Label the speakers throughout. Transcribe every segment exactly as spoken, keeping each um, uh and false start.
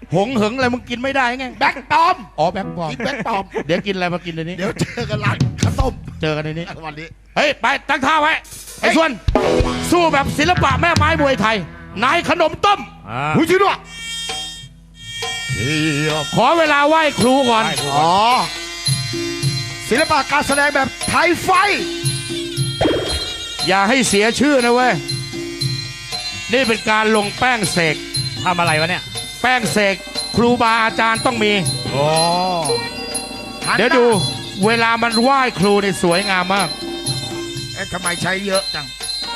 Speaker 1: หงเหิงอะไรมึงกินไม่ได้ไง
Speaker 2: แบ็คปอม
Speaker 1: อ๋อแบ็คบอล
Speaker 2: กินแบ็คปอม
Speaker 1: เดี๋ยวกินอะไรมากินในนี้
Speaker 2: เดี๋ยวเจอกันร้านข้าวต้ม
Speaker 1: เจอกันในนี้
Speaker 2: วันนี้
Speaker 1: เฮ้ยไปตั้งท่าไว้ไอ้ส่วนสู้แบบศิลปะแม่ไม้มวยไทยนายขนมต้ม
Speaker 2: หูชื่อด้วย
Speaker 1: ขอเวลาไหว้ครูก่อน
Speaker 2: อ๋อศิลปะการแสดงแบบไทยไฟ
Speaker 1: อย่าให้เสียชื่อนะเว้ยนี่เป็นการลงแป้งเสก
Speaker 3: ทำอะไรวะเนี่ย
Speaker 1: แป้งเสกครูบาอาจารย์ต้องมี
Speaker 3: โอ้
Speaker 1: เดี๋ยวดูเวลามันไหว้ครูเนี่ยสวยงามมาก
Speaker 2: เอ๊ะทำไมใช้เยอะจัง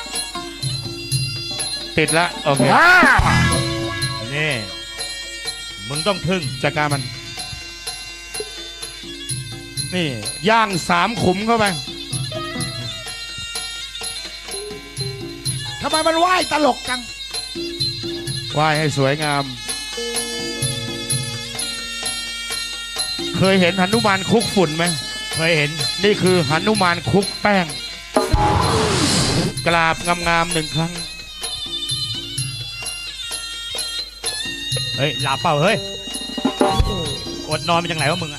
Speaker 1: ติดแล้วโอเค
Speaker 2: ว้า
Speaker 3: นี่มึงต้องทึ่ง
Speaker 1: จัดการมัน นี่ย่างสามขุมเข้าไป
Speaker 2: ทำไมมันไหวตลกจัง
Speaker 1: ไหว้ให้สวยงาม เคยเห็นหนุมานคลุกฝุ่นไหม
Speaker 3: เคยเห็น
Speaker 1: นี่คือหนุมานคลุกแป้ง กราบงามๆหนึ่งครั้ง
Speaker 3: เฮ้ยหลับเปล่าเฮ้ยอดนอนมาจากไหนวะมึงอะ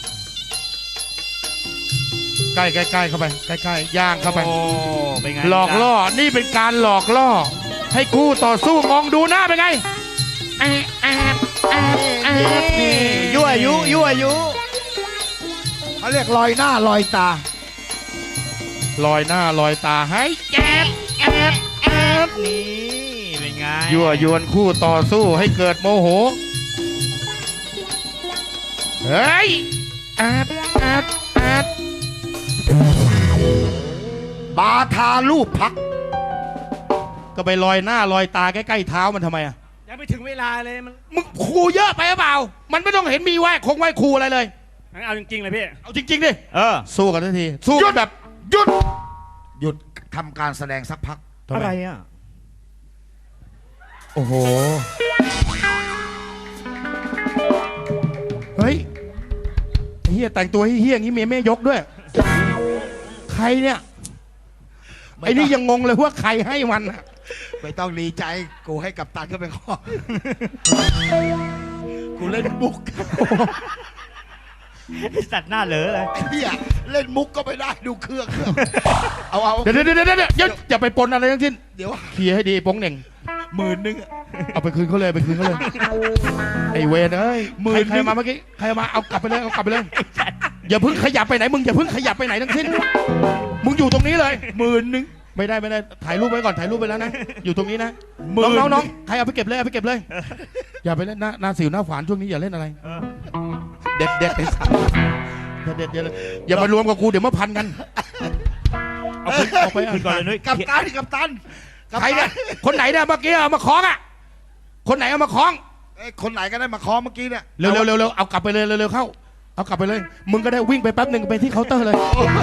Speaker 1: ใกล้ๆใกล้เข้าไปใกล้ๆย่างเข้าไป
Speaker 3: โอ้เป็นไง
Speaker 1: หลอกล่อนี่เป็นการหลอกล่อ ให้คู่ต่อสู้มองดูหน้าเป็นไงแอบแอบแอบแอบนี่
Speaker 3: ยั่วยุยั่วยุ
Speaker 2: เขาเรียกลอยหน้าลอยตา
Speaker 1: ลอยหน้าลอยตาให้แอบแอบแอบ
Speaker 3: นี่เป็นไง
Speaker 1: ยั่วยวนคู่ต่อสู้ให้เกิดโมโหเฮ้ยแอบแอบแอบบ
Speaker 2: าทาลูกพัก
Speaker 1: ก็ไปลอยหน้าลอยตาใกล้ๆเท้ามันทำไมอ่ะ
Speaker 3: ยังไม่ถึงเวลาเลยมัน
Speaker 1: มึงครูเยอะไปหรือเปล่ามันไม่ต้องเห็นมีไหว้คงไหว้ครูอะไรเลย
Speaker 3: งั้นเอาจริงๆเลยพี่
Speaker 1: เอาจริงๆดิ
Speaker 3: เออ
Speaker 1: สู้กันทันทีสู้กันแบบ
Speaker 2: หยุด หยุดทำการแสดงสักพัก
Speaker 3: อะไรอ่ะ
Speaker 1: โอ้โห เฮ้ยไอ้เฮียแต่งตัวเฮี้ยๆอย่างนี้เมียไม่ยกด้วย ใครเนี่ย ไอ้นี่ยังงงเลยว่าใครให้มันอะ
Speaker 2: ไม่ต้องดีใจ กูให้กับตันเข้าไปข้อ กูเล่นมุก
Speaker 3: สัตว์หน้าเหลอเลย
Speaker 2: ไอ้เหี้ยเล่นมุกก็ไม่ได้ดูเครื่องเครื่องเอาเอา
Speaker 1: เดี๋ยวเดี๋ยวเดี๋ยวเดี๋ยวอย่าอย่าไปปนอะไรทั้งสิ้น
Speaker 2: เดี๋ยว
Speaker 1: เคลียร์ให้ดีโป้งเหน่ง
Speaker 2: หมื่นนึงอะ
Speaker 1: เอาไปคืนเขาเลยไปคืนเขาเลย ไอ้เวรเอ้ย
Speaker 2: หมื่
Speaker 1: ใคร
Speaker 2: น
Speaker 1: ใครมาเมื่อกี้ใครมาเอากลับไปเลยเอากลับไปเลย อย่าเพิ่งขยับไปไหนมึงอย่าเพิ่งขยับไปไหนทั้งสิ้น มึงอยู่ตรงนี้เลย
Speaker 2: หมื่นนึง
Speaker 1: ไม่ได้ไม่ได้ถ่ายรูปไว้ก่อนถ่ายรูปไปแล้วนะอยู่ตรงนี้นะ
Speaker 2: หมื่น
Speaker 1: น้องน้องน้องใครเอาไปเก็บเลยเอาไปเก็บเลย อย่าไปเล่นหน้าหน้าสิวหน้าฝานช่วงนี้อย่าเล่นอะไร
Speaker 3: เออ
Speaker 1: เด็ดเด็ดไอ้สัสเด็ดเด็ดอย่ามารวมกับกูเดี๋ยวมาพันกันเอาไปเอาไป
Speaker 3: คืนก่อนเลยนุ้ย
Speaker 2: กับตันกับตันกับ
Speaker 1: ใคร
Speaker 2: ตั
Speaker 1: เนี่ยคนไหนเนี่ยเมื่อกี้เอามาคล้องอ่ะคนไหนเอามาคล้อง
Speaker 2: เอ้ยคนไหนก็ได้มาคอเมื่อกี้เนี่ย
Speaker 1: เร็วเร็วเร็วเร็วเอากลับไปเลยเร็วเร็วเข้าเอากลับไปเลย มึงก็ได้วิ่งไปแป๊บหนึ่งไปที่เคาน์เตอร์เลย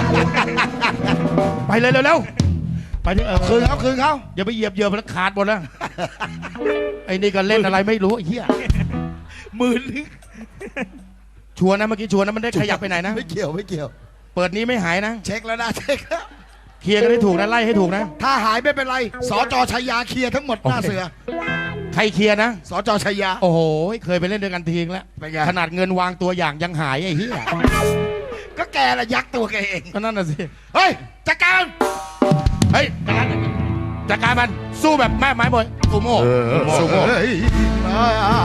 Speaker 1: ไปเลยเร็วเร็วไปที่เออ
Speaker 2: คืนเขาคืนเขา
Speaker 1: อย่าไปเหยียบเหยียบมันขาดหมดแล้วไอ้นี่ก็เล่นอะไรไม่รู้ไอ้เหี้ย
Speaker 2: หมื่นนึง
Speaker 1: ชัวร์นะเมื่อกี้ชัวร์นะมันได้ขยับไปไหนนะ
Speaker 2: ไม่เกี่ยวไม่เกี่ยว
Speaker 1: เปิดนี้ไม่หายนะ
Speaker 2: เช็คแล้วนะเช็คแล้ว
Speaker 1: เคลียร์กันให้ถูกนะไล่ให้ถูกนะ
Speaker 2: ถ้าหายไม่เป็นไรสจชัยยาเคลียร์ทั้งหมดหน้าเสือ
Speaker 1: ใครเคลียร์นะ
Speaker 2: สจชัยยา
Speaker 1: โอ้โหเคยไปเล่นด้วยกันทีนึงแล้ว
Speaker 2: เป็นไง
Speaker 1: ขนาดเงินวางตัวอย่างยังหายไอ้เหี้ย
Speaker 2: ก็แกละยักตัวแกเอง
Speaker 1: ก็นั่นน่ะสิ
Speaker 2: เฮ้ยจัดการ
Speaker 1: เฮ้ยจัดการจัดการมันสู้แบบแม่ไม้บอยซูโม่ซูโม่
Speaker 2: เฮ้ยมา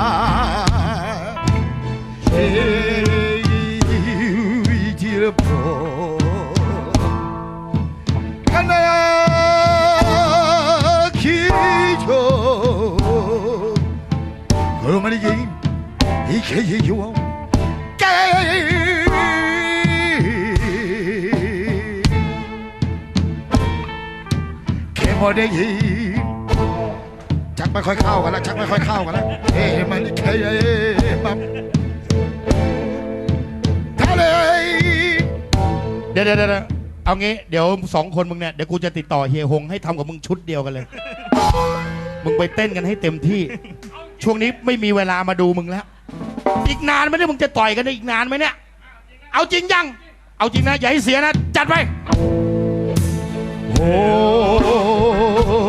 Speaker 2: เฮ้ยจิรพกันนาคิโชกรมันยิงอีเคยอยู่แกแค่พอได้ยินชักไม่ค่อยเข้ากันแล้วชักไม่ค่อยเข้ากันแล้วเอ้มันแค่ปั๊บทะเล
Speaker 1: เดี๋ยวเดี๋ยวเดี๋ยวเอางี้เดี๋ยวสองคนมึงเนี่ยเดี๋ยวกูจะติดต่อเฮียฮงให้ทำกับมึงชุดเดียวกันเลย มึงไปเต้นกันให้เต็มที่ ช่วงนี้ไม่มีเวลามาดูมึงแล้ว อีกนานไหมเนี่ยมึงจะต่อยกันได้อีกนานไหมเนี่ยเอาจริงยังเอาจริงนะอย่าให้เสียนะจัดไปโอ้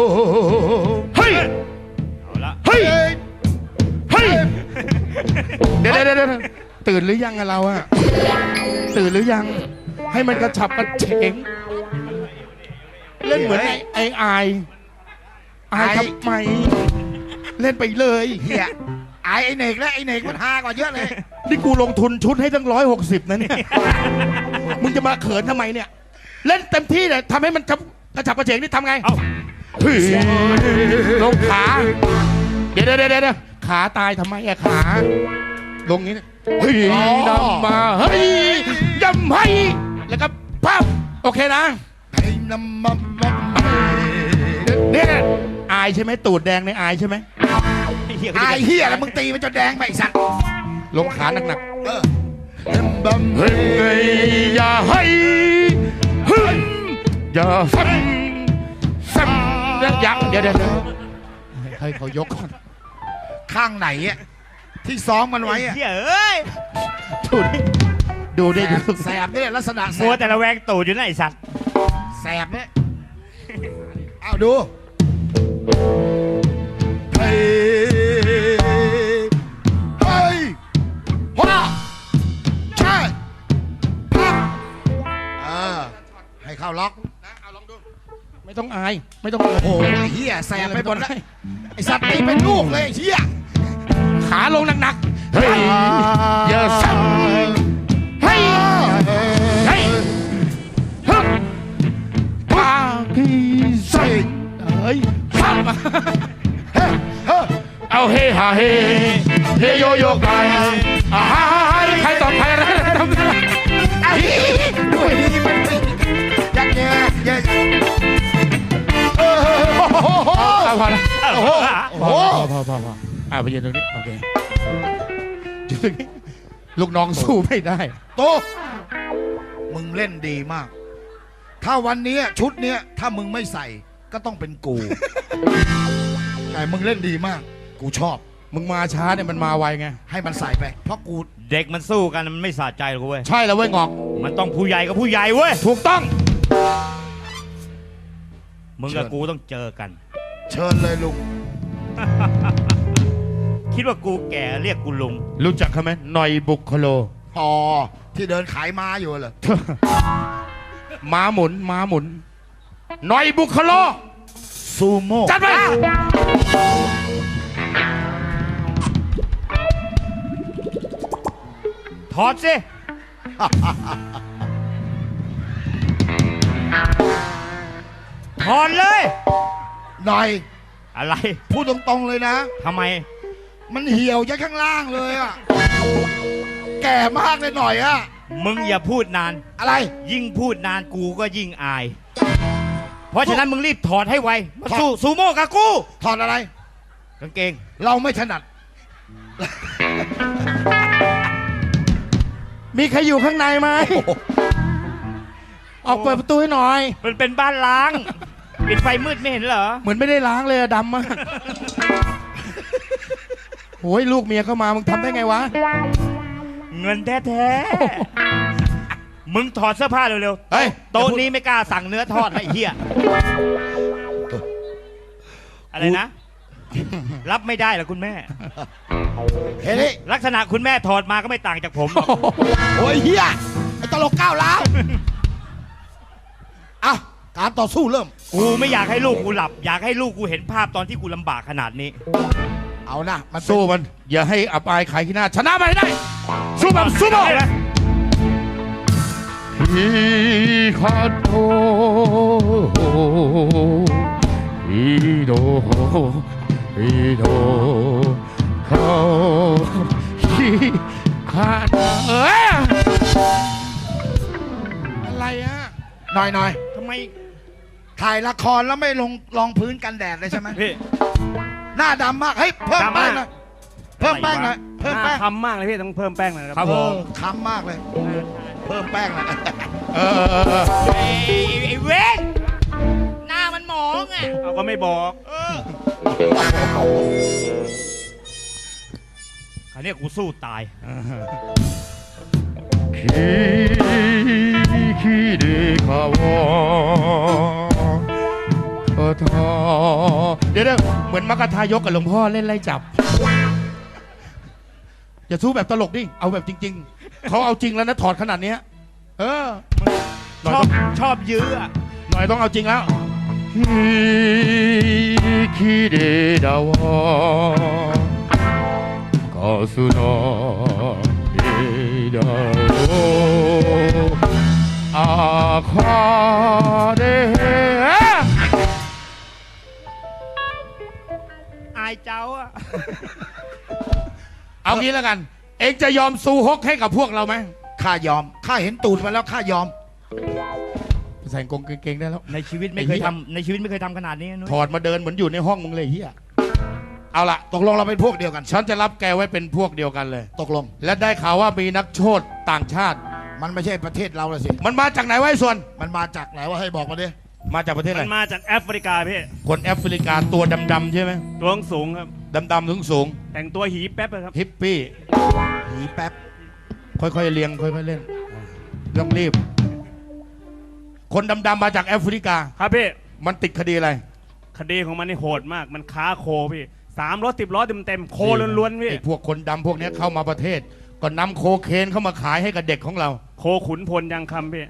Speaker 1: เฮ้ย
Speaker 3: เอาละ
Speaker 1: เฮ้ย
Speaker 2: เฮ้ย
Speaker 1: เฮ้ยเดี๋ยวเดี๋ยวเดี๋ยวตื่นหรือยังอะเราอะตื่นหรือยัง ให้มันกระฉับกระเฉงเล่นเหมือนไอ้ไอ้อายอายทำไม เล่นไปเลย
Speaker 2: เฮียไอไอเนกและไอเนกมันฮากว่าเยอะเลย
Speaker 1: นี่กูลงทุนชุดให้ตั้งร้อยหกสิบนะเนี่ย มึงจะมาเขินทำไมเนี่ย เล่นเต็มที่เลยทำให้มันกระฉับกระเฉงนี่ทำไง
Speaker 3: เอ้า
Speaker 1: เฮ้ยลงขา เดี๋ยวเดี๋ยวเดี๋ยวขาตายทำไมอะขา ลงงี้นะเฮ้ยนำมา เฮ้ยยำให้ แล้วก็ปั๊บโอเคนะ
Speaker 2: ไอ้น้ำมันมัน
Speaker 1: เนี่ยอายใช่ไหมตูดแดงในอายใช่ไหม
Speaker 3: ไอ้เหี้ย
Speaker 2: ไอเฮียแล้วมึงตีมันจนแดงไปไอ้สัตว์
Speaker 1: ลงขาหนัก
Speaker 2: เออน้ำมัน
Speaker 1: ๆเฮ้ยอย่าให้ฮึมอย่าซ้ำซ้ำแล้วยังเดี๋ยวเดี๋ยวเดี๋ยวให้เขายกก่อน
Speaker 2: ข้างไหนอะที่ซ้อมมันไว้อะ
Speaker 3: เหี้ยเอ้ย
Speaker 1: ดูดิดูดิดู
Speaker 2: แสบเนี่ยลักษณะแส
Speaker 3: มัว
Speaker 2: บ
Speaker 3: แต่ละแวงตูดอยู่นะไอ้สัตว์
Speaker 2: แสบเนี่ยเอาดูเฮ้ยเฮ้ยว้าใช่พักเออให้เข้าล็อก
Speaker 1: เอาลองดูไม่ต้องอายไม่ต้องอาย
Speaker 2: โอ้โหไอ้เฮียแสบไปหมดแล้วไอสัตว์ตีเป็นลูกเลยไอ้เฮีย
Speaker 1: ขาลงหนักๆเฮ้ยอย่าซ้ำเฮ้ยเฮ้ยฮึบปากีใส่เฮ้ยซ้ำ
Speaker 2: เฮ้ยเฮ้ย
Speaker 1: เอาเฮฮาเฮเฮโยโยกายอ่าฮาฮาฮาใครต่อใครอะไรทำได้
Speaker 2: ไอ้ด้วยดีมันยักแย่แย่เออโอ้โห
Speaker 1: เอาพอแล้ว
Speaker 2: โอ้โห
Speaker 1: โอ้
Speaker 2: โอ้
Speaker 1: โห
Speaker 2: โห
Speaker 1: พอพอพออ่าไปยืนตรงนี้โอเคยืนตรงนี้ลูกน้องสู้ไม่ได้
Speaker 2: โตมึงเล่นดีมาก ถ้าวันนี้ชุดเนี้ยถ้ามึงไม่ใส่ก็ต้องเป็นกู แต่มึงเล่นดีมาก กูชอบ
Speaker 1: มึงมาช้าเนี่ยมันมาไวไง
Speaker 2: ให้มันใส่ไป เพราะกู
Speaker 3: เด็กมันสู้กันมันไม่สะใจหรอกเว้ย
Speaker 1: ใช่แล้วเว้ยงอก
Speaker 3: มันต้องผู้ใหญ่กับผู้ใหญ่เว้ย
Speaker 1: ถูกต้อง
Speaker 3: มึงกับกูต้องเจอกัน
Speaker 2: เชิญเลยลุง
Speaker 3: คิดว่ากูแก่เรียกกูลุง
Speaker 1: รู้จักเขาไหมหน่อยบุคโล
Speaker 2: พอที่เดินขายม้าอยู่เหรอ
Speaker 1: ม้าหมุนม้าหมุนหน่อยบุคโล
Speaker 2: ซูโม่
Speaker 1: จัดไป
Speaker 3: ถอดสิ ถอดเลย
Speaker 2: หน่อย
Speaker 3: อะไร
Speaker 2: พูดตรงๆเลยนะ
Speaker 3: ทำไม
Speaker 2: มันเหี่ยวยันข้างล่างเลยอะแก่มากเลยหน่อยอะ
Speaker 3: มึงอย่าพูดนาน
Speaker 2: อะไร
Speaker 3: ยิ่งพูดนานกูก็ยิ่งอาย เพราะฉะนั้นมึงรีบถอดให้ไว มาสู้ซูโม่กับกู
Speaker 2: ถอดอะไร
Speaker 3: กางเกง
Speaker 2: เราไม่ถนัด
Speaker 1: มีใครอยู่ข้างในไหมออกเปิดประตูให้หน่อย
Speaker 3: มันเป็นบ้านล้าง ปิดไฟมืดไม่เห็นเหรอ
Speaker 1: เหมือนไม่ได้ล้างเลยอะดำมากโอ้ยลูกเมียเข้ามามึงทำได้ไงวะ
Speaker 3: เงินแท้ๆ มึงถอดเสื้อผ้าเร็วๆ
Speaker 1: เฮ้ย
Speaker 3: โต๊ะนี้ไม่กล้าสั่งเนื้อทอดนะไอ้เหี้ย อะไรนะ รับไม่ได้เหรอคุณแม่
Speaker 2: เฮ้ย
Speaker 3: ลักษณะคุณแม่ถอดมาก็ไม่ต่างจากผมหรอก
Speaker 2: โอ้ยเฮียไอ้ตลกก้าวร้าวอ่ะการต่อสู้เริ่ม
Speaker 3: กูไม่อยากให้ลูกกูหลับ อยากให้ลูกกูเห็นภาพตอนที่กูลำบากขนาดนี้
Speaker 2: เอานะมันเป็น
Speaker 1: สู้มัน อย่าให้อับอายขายขี้หน้า ชนะมันให้ได้ สู้แบบสู้แบบ
Speaker 3: ได้ไหม
Speaker 1: ฮิคาโตฮิโดฮิโดเขาฮิคาโตเอ้ยอะไรอ่ะ
Speaker 2: หน่อยหน่อย
Speaker 3: ทำไม
Speaker 2: ถ่ายละครแล้วไม่ลงรองพื้นกันแดดเลยใช่ไหม
Speaker 3: พี่
Speaker 2: หน้าดำมาก เฮ้ย เพิ่มแป้งหน่อยเพิ่มแป้งหน่อยเพิ่ม
Speaker 4: ห
Speaker 2: แป้
Speaker 4: น้าง คำมากเลยพี่ต้องเพิ่มแป้งหน่อยนะครับ
Speaker 3: ครับผม
Speaker 2: ค้ำมากเลย เพิ่มแป้งหน่อย
Speaker 1: เออเออเออ
Speaker 3: ไอ้ไอ้เว้นหน้ามันหมองอ่ะ
Speaker 4: เอาก็ไม่บอก
Speaker 3: เออคราวนี้กูสู้ตาย
Speaker 1: คิคิเดคาวะเออทอเดี๋ยวเดี๋ยวเหมือนมักกะทายกกับหลวงพ่อเล่นไล่จับอย่าสู้แบบตลกดิ เอาแบบจริง ๆ เขาเอาจริงแล้วนะถอดขนาดเนี้ยเออหน่
Speaker 3: ช
Speaker 1: อย
Speaker 3: อ
Speaker 1: ต้
Speaker 3: บ
Speaker 1: อง
Speaker 3: ชอบยื้ออะ
Speaker 1: หน่อยต้องเอาจริงแล้วคิเรดาวะกาสุนาเอดาโออาคาเด
Speaker 3: อายเจ้าอะ
Speaker 1: เอางี้แล้วกัน เองจะยอมซูฮกให้กับพวกเราไหม
Speaker 2: ข้ายอม ข้าเห็นตูดมาแล้วข้ายอม
Speaker 1: ใส่กางเกงได้แล้ว
Speaker 3: ในชีวิตไม่เคยทำในชีวิตไม่เคยทำขนาดนี้นุ้ย
Speaker 1: ถอดมาเดินเหมือนอยู่ในห้องมึงเลยเฮียเอาละ
Speaker 2: ตกลงเราเป็นพวกเดียวกัน
Speaker 1: ฉันจะรับแกไว้เป็นพวกเดียวกันเลย
Speaker 2: ตกลง
Speaker 1: และได้ข่าวว่ามีนักโทษต่างชาติ
Speaker 2: มันไม่ใช่ประเทศเราละสิ
Speaker 1: มันมาจากไหนวะไอ้ส่วน
Speaker 2: มันมาจากไหนวะให้บอกมาดิ
Speaker 1: มาจากประเทศอะ
Speaker 4: มั
Speaker 1: ไร
Speaker 4: นมาจากแอฟริกาพี่
Speaker 1: คนแอฟริกาตัวดำๆใช่ไหม
Speaker 4: ตัวสูงครับ
Speaker 1: ดำๆสูงสูง
Speaker 4: แต่งตัวหีแป๊บเลยครับ
Speaker 1: ฮิปปี้
Speaker 2: หีแป๊บ
Speaker 1: ค่อยๆเลียงค่อยๆเล่นต้องรีบ คนดำๆมาจากแอฟริกา
Speaker 4: ครับพี่
Speaker 1: มันติดคดีอะไร
Speaker 4: คดีของมันนี่โหดมาก มันค้าโคพี่สามรถสิบล้อเต็มเต็มๆโคล้วนๆพี่
Speaker 1: ไอ้พวกคนดำพวกเนี้ยเข้ามาประเทศ ก็นำโคเคนเข้ามาขายให้กับเด็กของเรา
Speaker 4: โคขุนพลยังคำพี่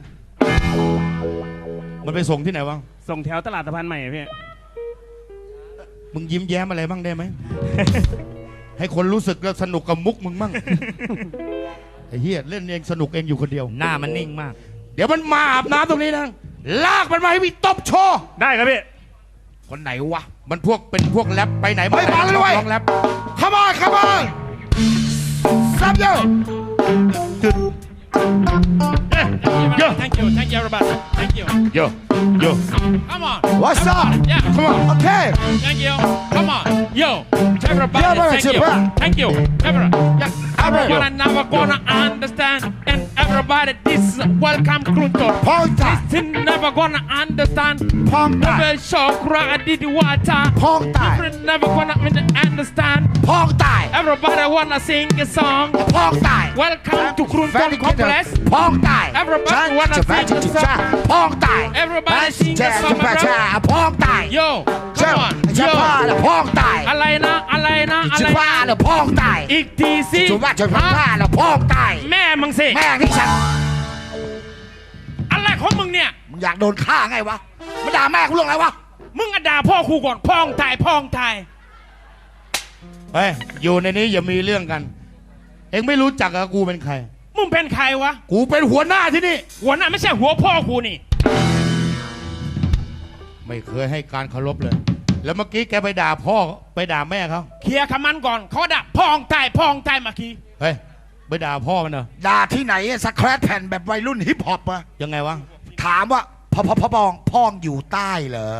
Speaker 1: มันไปส่งที่ไหนวะ
Speaker 4: ส่งแถวตลาดสะพานใหม่พี่
Speaker 1: มึงยิ้มแย้มอะไรบ้างได้ไหม ให้คนรู้สึกแล้วสนุกกับมุกมึงมั่ง ไอ้เหี้ยเล่นเองสนุกเองอยู่คนเดียว
Speaker 3: หน้ามันนิ่งมาก
Speaker 1: เดี๋ยวมันมาอาบน้ำตรงนี้นะ ลากมันมาให้พี่ตบโชว์
Speaker 4: ได้ครับพี่
Speaker 2: คนไหนวะ
Speaker 1: มันพวกเป็นพวกแรปไปไหน
Speaker 2: เฮ้ยมาเลยเว้ย
Speaker 1: ร้องแรป
Speaker 2: Come on come on Stop you
Speaker 1: Yo
Speaker 5: Thank you, thank you, everybody. Thank you.
Speaker 1: Yo Yo
Speaker 5: Come on.
Speaker 2: What's up
Speaker 5: Everybody, Yeah,
Speaker 1: Come on
Speaker 2: Okay
Speaker 5: thank you. Come on. Yo, everybody,
Speaker 2: Yeah, man,
Speaker 5: thank
Speaker 2: chip
Speaker 5: you.
Speaker 2: up.
Speaker 5: Thank you. Everybody. Yeah.
Speaker 2: Everybody.
Speaker 5: Everyone never gonna understand. And everybody, this is welcome Krunto.
Speaker 2: พองตาย
Speaker 5: This never gonna understand.
Speaker 2: พองตาย
Speaker 5: Never shock, I did water.
Speaker 2: พองตาย
Speaker 5: Never gonna understand.
Speaker 2: พองตาย
Speaker 5: Everybody wanna sing a song.
Speaker 2: พองตาย
Speaker 5: Welcome to Krunto Complex.
Speaker 2: พองตาย
Speaker 5: Everybody wanna
Speaker 2: จะแพ้
Speaker 5: sing
Speaker 2: จะ
Speaker 5: a
Speaker 2: จิ
Speaker 5: song.
Speaker 2: จ้าพองตาย
Speaker 5: Everybody sing
Speaker 2: จะ
Speaker 5: a song,
Speaker 2: แพ้
Speaker 5: my
Speaker 2: จะ
Speaker 5: brother.
Speaker 2: พองตาย
Speaker 5: Yo,
Speaker 2: เจ้า
Speaker 5: come on.
Speaker 2: จะ
Speaker 5: Yo.
Speaker 2: บ้าแล้วพองตาย
Speaker 5: อะไรนะอะไรนะอะ
Speaker 2: จะ
Speaker 5: ไร
Speaker 2: บ้า
Speaker 5: นะ
Speaker 2: แล้วพองตาย
Speaker 5: อีกทีสิ
Speaker 2: จะว่าจะบ้า
Speaker 5: ฮะ
Speaker 2: แล้วพองตาย
Speaker 5: แม่มึงสิ
Speaker 2: แม่งที่ฉัน
Speaker 5: อะไรของมึงเนี่ย
Speaker 2: มึงอยากโดนฆ่าไงวะมาด่าแม่กูเรื่องอะไรวะ
Speaker 5: มึงอะด่าพ่อครูก่อนพ่องตายพ่องตาย
Speaker 1: เฮ้ยอยู่ในนี้อย่ามีเรื่องกัน เอ็งไม่รู้จักกับกูเป็นใคร
Speaker 5: มึงเป็นใครวะ
Speaker 1: กูเป็นหัวหน้าที่นี่
Speaker 5: หัวหน้าไม่ใช่หัวพ่อครูนี่
Speaker 1: ไม่เคยให้การเคารพเลย แล้วเมื่อกี้แกไปด่าพ่อไปด่าแม่เขา
Speaker 5: เคลียร์คำมันก่อนเขาด่าพ่องตายพ่องตายเมื่อกี้
Speaker 1: เฮ้ยไปด่าพ่อมันเหรอ
Speaker 2: ด่าที่ไหนสแครตแผ่นแบบวัยรุ่นฮิปฮอปอะ
Speaker 1: ยังไงวะ
Speaker 2: ถามว่าพ่อพ่อพ่อปองพ่องอยู่ใต้เหรอ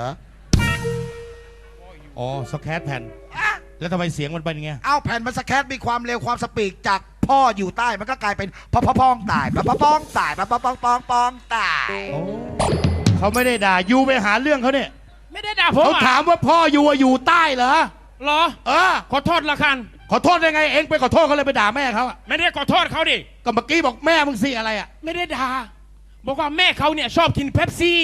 Speaker 1: อ๋อสแครตแผ่น แล้วทำไมเสียงมันเป็นอย่างเงี้ย
Speaker 2: เอาแผ่นมันสแครตมีความเร็วความสปีดจากพ่ออยู่ใต้มันก็กลายเป็นพ่อพ่อป้องตายพ่อพ่อป้องตายพ่อพ่อป้องป้องป้องตาย
Speaker 1: โอ้เขาไม่ได้ด่ายูไปหาเรื่องเขาเนี่ย
Speaker 5: ไม่ได้ด่าผม
Speaker 1: เขา
Speaker 5: อ่ะ
Speaker 1: ถามว่าพ่อยูอะอยู่ใต้เหรอ
Speaker 5: เหรอ
Speaker 1: เออ
Speaker 5: ขอโทษละกัน
Speaker 1: ขอโทษได้ไงเอ็งไปขอโทษเขาเลยไปด่าแม่เขาอะ
Speaker 5: ไม่ได้ขอโทษเขาดิ
Speaker 1: ก็เมื่อกี้บอกแม่มึงสิอะไรอะ
Speaker 5: ไม่ได้ด่าบอกว่าแม่เขาเนี่ยชอบกินเป๊ปซี่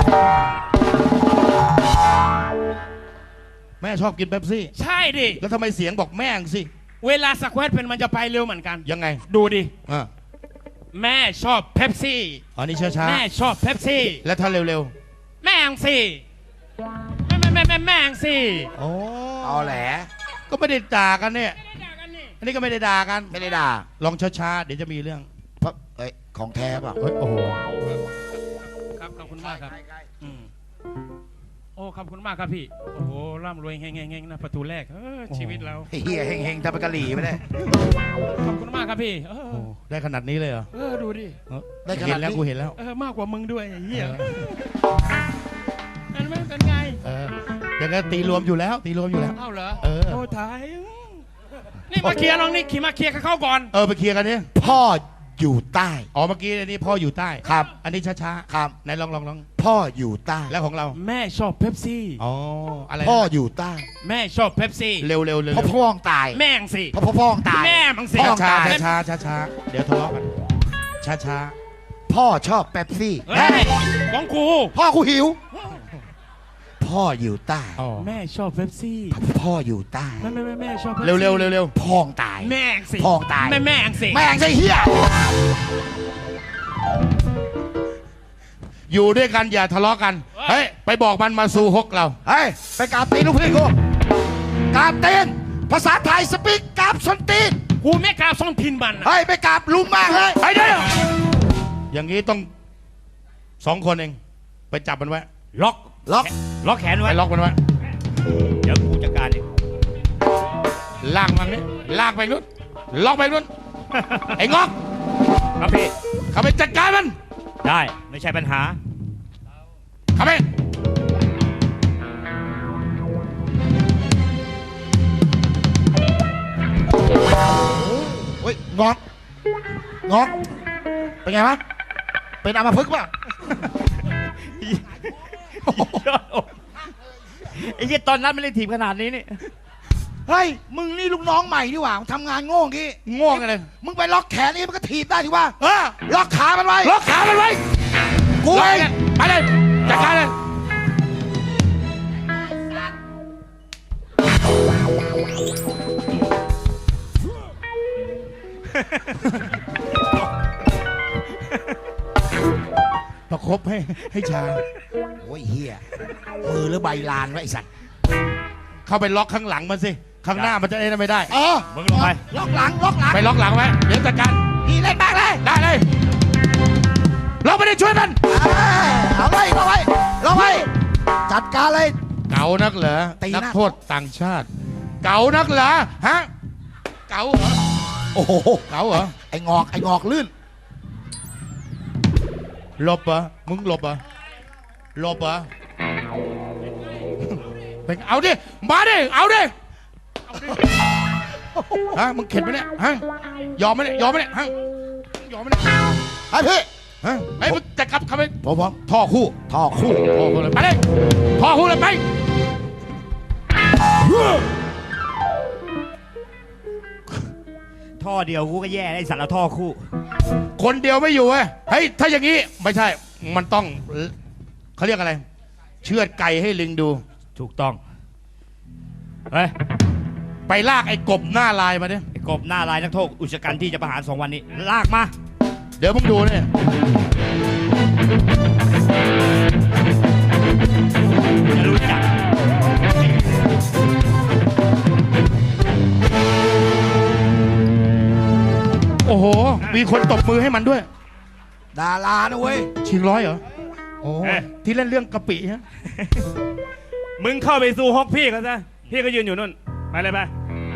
Speaker 1: แม่ชอบกินเป๊ปซี่
Speaker 5: ใช่ดิ
Speaker 1: แล้วทำไมเสียงบอกแม่งสิ
Speaker 5: เวลาสแควตเป็นมันจะไปเร็วเหมือนกัน
Speaker 1: ยังไง
Speaker 5: ดูดิ
Speaker 1: อ่า
Speaker 5: แม่ชอบเป๊ปซี่
Speaker 1: อ๋อนี่ช้าช้า
Speaker 5: แม่ชอบเป๊ปซี่
Speaker 1: แล้วถ้าเร็ว
Speaker 5: แม่งสิแม่แม่แม่แม่แม่งสิ
Speaker 1: ๆโอ้
Speaker 2: เอาแหละ
Speaker 1: ก็ไม่ได้ด่ากันเนี่ย อันนี้ก็ไม่ได้ด่ากัน
Speaker 2: ไม่ได้ด่า
Speaker 1: ลองช้าๆเดี๋ยวจะมีเรื่อง
Speaker 2: เพราะเอ้ยของแท้เปล่ะ
Speaker 1: เฮ้ยโอ้โห
Speaker 5: ครับขอบคุณมากครับอืมโอ้ขอบคุณมากครับพี่ โอ้โหร่ำรวยเฮงๆๆนะประตูแรกเออชีวิตเรา
Speaker 2: เฮียเฮงเฮงๆทำเป็นกะหรี่ไม่ได้
Speaker 5: ขอบคุณมากครับพี่ เออ
Speaker 1: โอ้ได้ขนาดนี้เลยเหรอ
Speaker 5: เออดูดิ
Speaker 1: เออ
Speaker 2: ได้ขนาดนี้
Speaker 1: เห็นแล้วกูเห็นแล้ว
Speaker 5: เออมากกว่ามึงด้วยไอ้เหี้ย
Speaker 1: เออ
Speaker 5: เห็นไหมเป็นไง
Speaker 1: เอออย่างนั้นตีรวมอยู่แล้ว ตีรวมอยู่แล้ว
Speaker 5: เอ้าเหรอ
Speaker 1: เออ
Speaker 5: โอ้ตายอืมนี่มาเคลียร์น้องนี่ขี่มาเคลียร์กับเขาก่อน
Speaker 1: เออไปเคลียร์กันดิ
Speaker 2: พ่ออยู่ใต้
Speaker 1: อ๋อเมื่อกี้อันนี้พ่ออยู่ใต้
Speaker 2: ครับ
Speaker 1: อันนี้ช้าๆ
Speaker 2: ครับ
Speaker 1: ไหนลองลองลอง
Speaker 2: พ่ออยู่ใต้
Speaker 1: แล้วของเรา
Speaker 5: แม่ชอบเป๊ปซี่
Speaker 1: อ๋ออะไรนะ
Speaker 2: พ่ออยู่ใต้
Speaker 5: แม่ชอบเป๊ปซี่
Speaker 1: เร็วเร็วเร็ว
Speaker 2: พ่อพ่องตาย
Speaker 5: แม่งสิ
Speaker 2: พ่อพ่อพ่องตาย
Speaker 5: แม่มึงสิ
Speaker 2: พ่อ
Speaker 1: ช้า
Speaker 2: ตาย
Speaker 1: ช้าช้าช้าๆเดี๋ยวทะเลาะกัน ช้าช้า
Speaker 2: พ่อชอบเป๊ปซี่
Speaker 5: เฮ้ยของกู
Speaker 2: พ่อกูหิว พพ่ออยู่ใต้
Speaker 1: อ๋อ
Speaker 5: แม่ชอบเป๊ปซี่
Speaker 2: พ่ออยู่ใต้
Speaker 5: แม่แม่แม่แม่ชอบ
Speaker 1: เร็วเร็วเร็วเร็ว
Speaker 2: พ่องตาย
Speaker 5: แม่งสิ
Speaker 2: พ่องตาย
Speaker 5: แม่แม่งสิ
Speaker 2: แม่งใช่เฮีย
Speaker 1: อยู่ด้วยกันอย่าทะเลาะกัน เฮ้ย ไปบอกมันมาสู่ฮกเรา
Speaker 2: เฮ้ยไปกราบตีนลูกพี่กูกราบตีนภาษาไทยสปีกกราบส้นตีน
Speaker 5: กูไม่กล้าซ่อนพินบันอะ
Speaker 2: เฮ้ยไปกราบลุงมากเลย
Speaker 1: ไอ้เดี๋ยวอย่างนี้ต้องสองคนเอง ไปจับมันไว้
Speaker 3: ล็อก
Speaker 2: ล็อก
Speaker 3: ล็อกแขน
Speaker 1: ไป
Speaker 3: ไว้
Speaker 1: ล็อกมันไว้
Speaker 3: เดี๋ยวกูจัดการเอง
Speaker 1: ลากมันนี่ลากไปนู้นล็อกไปนู้น ไอ้งอก
Speaker 3: ครับพี่
Speaker 1: เข้าไปจัดการมัน
Speaker 3: ได้ไม่ใช่ปัญหา
Speaker 1: เข้าไป
Speaker 2: เฮ้ยงอกงอกเป็นไงวะเป็นอัมพฤกษ์ป่ะ
Speaker 3: ไอ้ยี่ตอนนั้นไม่ได้ถีบขนาดนี้นี่
Speaker 2: เฮ้ยมึงนี่ลูกน้องใหม่นี่หว่าทำงานโง่งี้
Speaker 1: ง่วงอะไร
Speaker 2: มึงไปล็อกแขนนี่มันก็ถีบได้ทีว่า
Speaker 1: เออ
Speaker 2: ล็อกขามันไว้
Speaker 1: ล็อกขามันไว้
Speaker 2: กู
Speaker 1: ล็อก
Speaker 2: เอง
Speaker 1: เนี่ยไปเลยจัดการเลย ประคบให้ให้ชา
Speaker 2: โอ้ยเฮียมือหรือใบลานวะไอสัตว์
Speaker 1: เข้าไปล็อกข้างหลังมันสิ ข้างหน้ามันจะได้ไม่ได้
Speaker 2: เออ
Speaker 3: มึงลงไป
Speaker 2: ล็อกหลังล็อกหลัง
Speaker 1: ไปล็อกหลังไว้ เดี๋ยวจัดการ
Speaker 2: นี่เล่นมากเลย
Speaker 1: ได้เลย เราไม่ได้ช่วยมัน
Speaker 2: เอ้ยเอาไว้เอาไว้เอาไว้จัดการเลย
Speaker 1: เก๋านักเหรอ
Speaker 2: ตีหน้า
Speaker 1: นักโทษต่างชาติ เก๋านักเหรอ ฮะ เก๋าเหรอ
Speaker 2: โอ้โห
Speaker 1: เก๋าเหรอ
Speaker 2: ไอ้งอกไอ้งอกลื่น
Speaker 1: หลบเหรอ มึงหลบเหรอ หลบเหรอ เป็นเอาดิ มาดิ เอาดิ ฮะ มึงเข็ดไหมเนี่ย ฮะ ยอมไหมเนี่ย ยอมไหมเนี่ย ฮะ ยอมไหมเนี่ย
Speaker 2: ไอ้พี่
Speaker 1: ฮะไอ้ยมึงจะกลับเข้าไป
Speaker 2: ผมผม
Speaker 1: ท่อคู่
Speaker 2: ท่อคู่
Speaker 1: ท่อคู่เลยไปเลยท่อคู่เลยไป
Speaker 3: ท่อเดียวกูก็แย่ไอ้สัตว์ละท่อคู่
Speaker 1: คนเดียวไม่อยู่เว้ยเฮ้ย ถ้าอย่างนี้ ไม่ใช่ มันต้อง เขาเรียกอะไร เชือดไก่ให้ลิงดู
Speaker 3: ถูกต้อง เฮ้ย
Speaker 1: ไปลากไอ้กบหน้าลายมาดิ
Speaker 3: ไอ้กบหน้าลายนักโทษอุชกันที่จะประหารสองวันนี้ ลากมา
Speaker 1: เดี๋ยวมึงดูเนี่ย
Speaker 3: จะรู้จัก
Speaker 1: โอ้โห มีคนตบมือให้มันด้วย
Speaker 2: ดารานะเว้ย
Speaker 1: ชิงร้อยเหรอ โอ้
Speaker 3: เอ๊ะ
Speaker 1: ที่เล่นเรื่องกะปิฮะ
Speaker 4: มึงเข้าไปสู่ฮอกพี่เขาซะพี่ก็ยืนอยู่นู่นไปเลยไป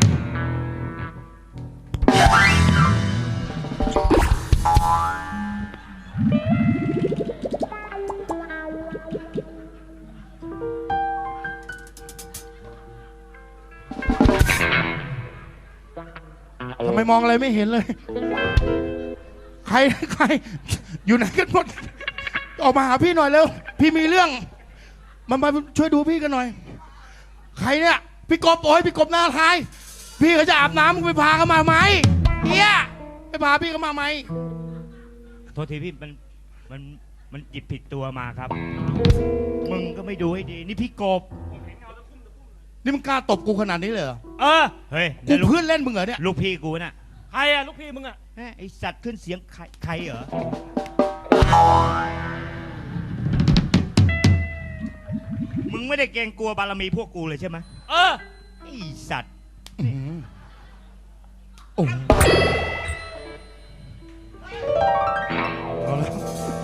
Speaker 1: ทำไมมองอะไรไม่เห็นเลย ใคร ใคร อยู่ไหนกันหมด ออกมาหาพี่หน่อยเร็ว พี่มีเรื่อง มามาช่วยดูพี่กันหน่อย ใครเนี่ย พี่กบโอ้ยพี่กบหน้าทาย พี่เขาจะอาบน้ำมึงไปพาเขามาไหมเฮียไปพาพี่เขามาไหม
Speaker 3: โทษทีพี่มันมันมันหยิบผิดตัวมาครับ มึงก็ไม่ดูให้ดี นี่พี่กบ
Speaker 1: นี่มึงกล้าตบกูขนาดนี้เลยเหรอ
Speaker 4: เออ
Speaker 3: เฮ้ย
Speaker 1: กู
Speaker 3: แล้วลูก
Speaker 1: เพื่อนเล่นมึงเหรอเนี่ย
Speaker 3: ลูกพี่กูน่ะ
Speaker 4: ใครอะลูกพี่มึงอะ
Speaker 3: แม่ไอสัตว์ขึ้นเสียงใครใครเหรอ มึงไม่ได้เกรงกลัวบารมีพวกกูเลยใช่ไหม
Speaker 4: เออ
Speaker 3: ไอสัตว์
Speaker 1: อื้อหือโอ้โหเอาละ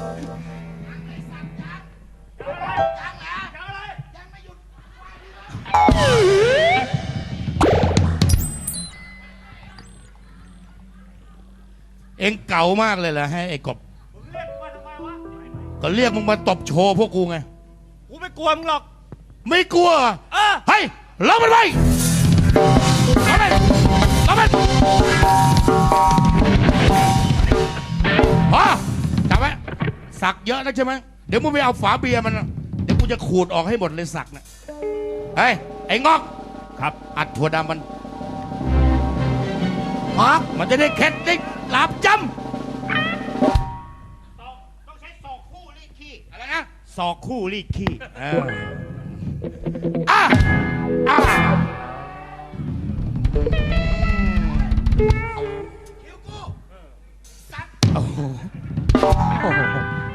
Speaker 1: เอ็งเก่ามากเลยเหรอให้ไอ้กบ ก็เรียกมึงมาตบโชว์พวกกูไง
Speaker 4: กูไม่กลัวมึงหรอก
Speaker 1: ไม่กลัวเหรอ
Speaker 4: เออ
Speaker 1: เฮ้ยล็อกมันไว้ล็อกมันล็อกมันพอจับไว้สักเยอะนะใช่ไหมเดี๋ยวมึงไปเอาฝาเบียร์มันนะเดี๋ยวกูจะขูดออกให้หมดเลยสักนะเฮ้ยไอ้งอก
Speaker 3: ครับ
Speaker 1: อัดถั่วดำมัน
Speaker 2: งอก
Speaker 1: มันจะได้เข็ดได้หลาบจ
Speaker 3: ต้องใช้ศอกคู่รีดขี้
Speaker 1: ำอะไรนะ
Speaker 3: ศอกคู่รีดขี้
Speaker 1: เอออ่ะอ่ะโอ้โหโอ้โห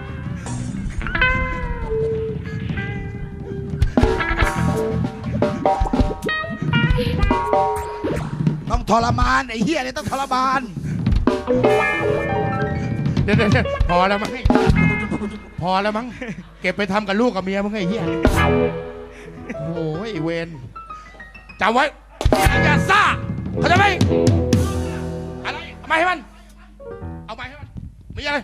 Speaker 2: ต้องทรมานไอ้เหี้ยเนี่ยต้องทรมาน
Speaker 1: เดี๋ยวเดี๋ยวเดี๋ยวพอแล้วมั้งพอแล้วมั้งเก็บไปทำกับลูกกับเมียมึงไอ้เหี้ยโอ้ยไอ้เวรจำไว้อย่าซ่าเข้าใจไหมอะไรเอามาให้มันเอามาให้มันมีอะไร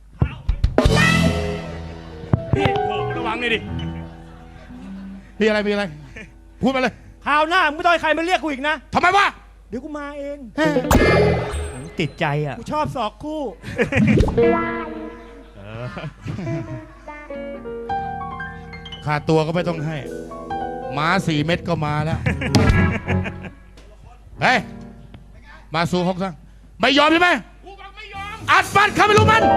Speaker 4: พี่โอ้ระวังเลยดิ
Speaker 1: มีอะไรมีอะไร พูดมาเลย
Speaker 3: คราวหน้ามึงไม่ต้องให้ใครมาเรียกกูอีกนะ
Speaker 1: ทำไมวะ
Speaker 3: เดี๋ยวกูมาเองติดใจอ่ะ กูชอบสอกคู่
Speaker 1: ค่าตัวก็ไม่ต้องให้หมาสี่เม็ดก็มาแล้ว เฮ้ย มาสู่ห้องซะไม่ยอมใช่ไหมกูบอกไม่ยอม อัดฟันเข้าไปรู้มัน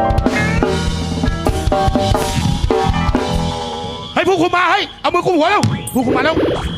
Speaker 1: ให้ผู้คุมมาให้เอามือคุมหัวแล้วผู้คุมมาแล้ว